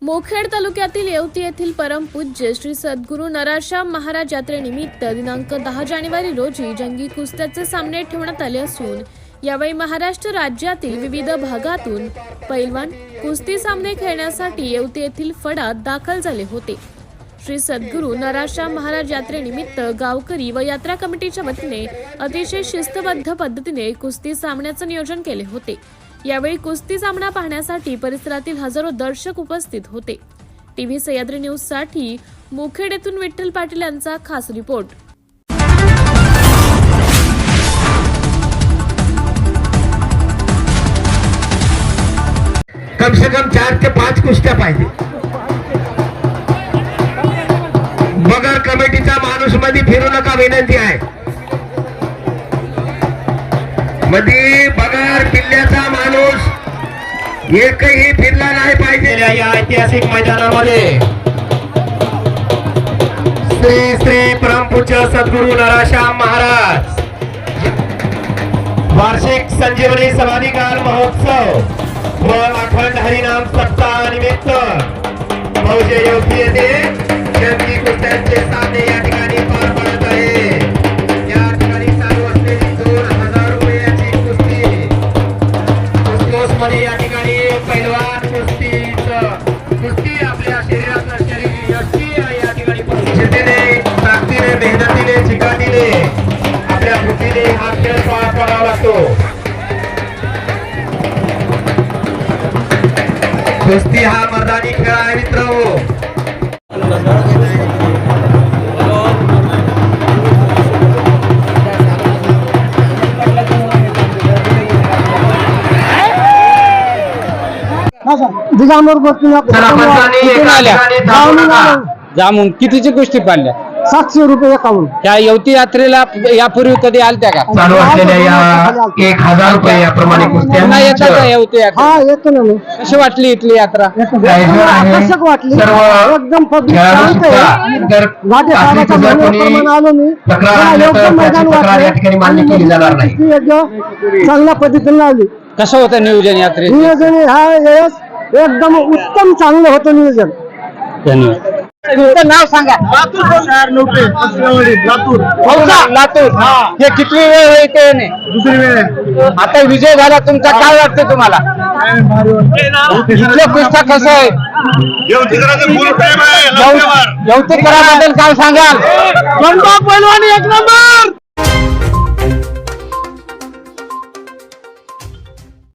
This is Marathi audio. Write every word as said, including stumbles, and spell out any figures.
मोखेड तालुक्यातील येवती येथील परमपूज्य श्री सद्गुरू नराशाम महाराज यात्रेनिमित्त दिनांक दहा जानेवारी रोजी जंगी कुस्त्याचे सामने ठेवण्यात आले असून यावेळी महाराष्ट्र राज्यातील विविध भागातून पैलवान कुस्ती सामने खेळण्यासाठी येवती येथील फडात दाखल झाले होते। श्री सद्गुरू नराशाम महाराज यात्रेनिमित्त गावकरी व यात्रा कमिटीच्या वतीने अतिशय शिस्तबद्ध पद्धतीने कुस्ती सामन्याचे नियोजन केले होते। यावेळी कुस्ती सामना पाहण्यासाठी परिसरातील हजारो दर्शक उपस्थित होते। टीव्ही सह्याद्री न्यूज साठी मोखेड येथून विठ्ठल पाटील यांचा खास रिपोर्ट। कम से कम चार ते पाच कुस्त्या पाहिजे। बगर कमिटीचा माणूस मध्ये फिरू नका विनंती आहे। मध्ये बगर किल्ल्याचा माणूस एकही फिरला नाही पाहिजे। या ऐतिहासिक मैदानामध्ये श्री श्री परमपूज्य सद्गुरू नराशाम महाराज वार्षिक संजीवनी समाधिकाल महोत्सव व अखंड हरिनाम सप्ताह निमित्त मौजे येवती येथे जंगी कुस्त्यांचे सामने या ठिकाणी पार पडत आहे। या ठिकाणी चालू असलेली दोन हजार रुपयाची कुस्ती कुस्तीमध्ये या ठिकाणी पैलवान कुस्तीचं कुस्ती आपल्या शरीरात नसलेली यष्टी या ठिकाणी जिद्दीने ताकदीने मेहनतीने चिकाटीने आपल्या बुद्धीने हा खेळ पार पडावा लागतो। कुस्ती हा मर्दानी खेळ आहे मित्रांनो। जामून कितीची गोष्टी पाडल्या? सातशे रुपये एकावन्न। त्या येवती यात्रेला यापूर्वी कधी आलत्या का? चालू असलेल्या या एक हजार रुपये याप्रमाणे पुन्हा येतात का येवती यात्रा? हा येतो ना मी। कशी वाटली इथली यात्रा? आकर्षक वाटली, एकदम पब्लिक शांत आहे। घाटे साहेबाच्या म्हणण्याप्रमाणे आलो मी, योग्य मैदान वाटलं, चांगल्या पद्धतीने लावली। कसं होतं नियोजन यात्रे? नियोजन हा वेळेस एकदम उत्तम चांगलं होतं नियोजन। धन्यवाद। तुमचं नाव सांगा। लातूर। लातूर हे किती वेळ येते? दुसरी वेळ। आता विजय झाला तुमचा, काय वाटतं तुम्हाला? इथलं कुस्ता कसं आहे? येवतीकराबद्दल काय सांगाल? पैलवानी एक नंबर।